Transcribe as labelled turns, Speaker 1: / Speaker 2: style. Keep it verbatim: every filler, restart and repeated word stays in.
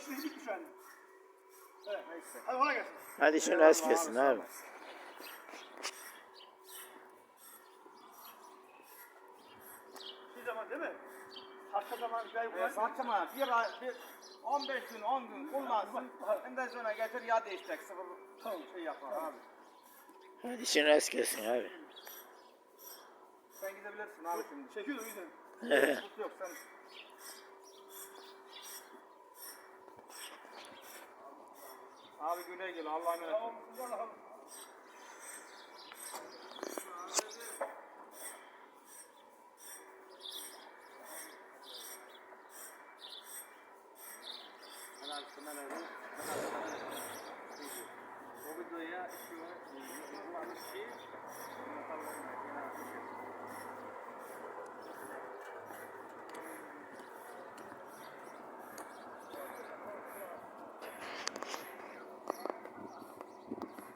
Speaker 1: işini bitmiş yani. Evet. Neyse. Hadi ona gelsin.
Speaker 2: Hadi işin rast gelsin abi.
Speaker 1: Bir zaman değil mi? Saçma zaman bir ay
Speaker 3: E, saçma bir ay, bir on beş gün, on gün kullansın. Ondan sonra getir ya değişecek. Sıfır
Speaker 1: Tamam.
Speaker 3: şey yapar abi.
Speaker 2: Hadi işin rast gelsin abi.
Speaker 3: Sen gidebilirsin abi şimdi.
Speaker 1: Çekiyorum gidelim.
Speaker 3: Tut yok sen. Abi güle güle Allah'a emanet.
Speaker 1: Tamam. Allah'ım.
Speaker 3: Helal sana helal. O videoya şu an